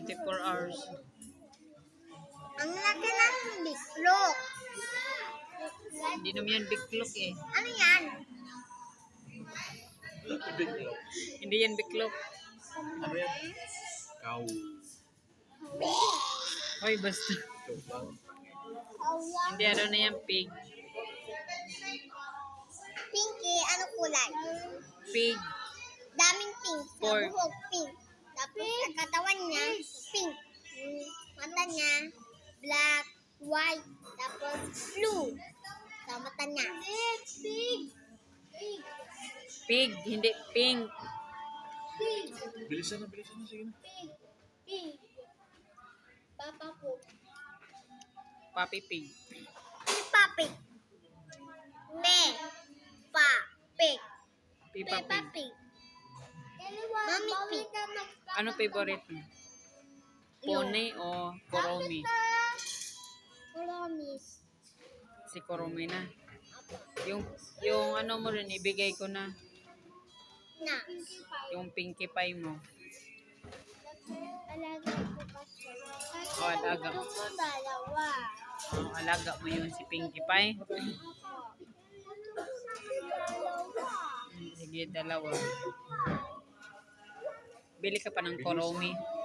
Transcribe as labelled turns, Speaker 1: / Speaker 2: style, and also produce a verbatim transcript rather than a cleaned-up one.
Speaker 1: twenty-four hours.
Speaker 2: Ang laki ng biklok.
Speaker 1: Hindi naman yan biklok eh.
Speaker 2: Ano yan?
Speaker 1: Hindi yan biklok.
Speaker 3: Ano yan? Cow.
Speaker 1: Hoy, basta. Hindi, ano na yan, pig.
Speaker 2: Pinky, ano kulay?
Speaker 1: Pig.
Speaker 2: Daming pink. Sa
Speaker 1: Pork.
Speaker 2: buhok, pink. Tapos sa katawan niya, pink. Mm, Mata niya, black, white, tapos blue. Sa mata niya. Pig, pig, pig,
Speaker 1: Pig, hindi pink.
Speaker 2: pig,
Speaker 3: Bilisan na, bilisan na. Sige na.
Speaker 2: pig, pig. Papa po.
Speaker 1: Papi pig.
Speaker 2: Si Papi. Me. Pa. Pig.
Speaker 1: Pipa
Speaker 2: Peppa
Speaker 1: pig.
Speaker 2: Pig. Mami Pig.
Speaker 1: Ano favorite mo? Pony o Koromi?
Speaker 2: Promise.
Speaker 1: Si Koromi na. Yung, yung ano mo rin, ibigay ko na.
Speaker 2: Na.
Speaker 1: Yung Pinkie Pie mo.
Speaker 2: Alaga ko kasi.
Speaker 1: O, alaga.
Speaker 2: Gusto ko dalawa.
Speaker 1: O, alaga mo yun si Pinkie Pie.
Speaker 2: Dalawa.
Speaker 1: Sige, dalawa. Bili ka pa ng Koromi.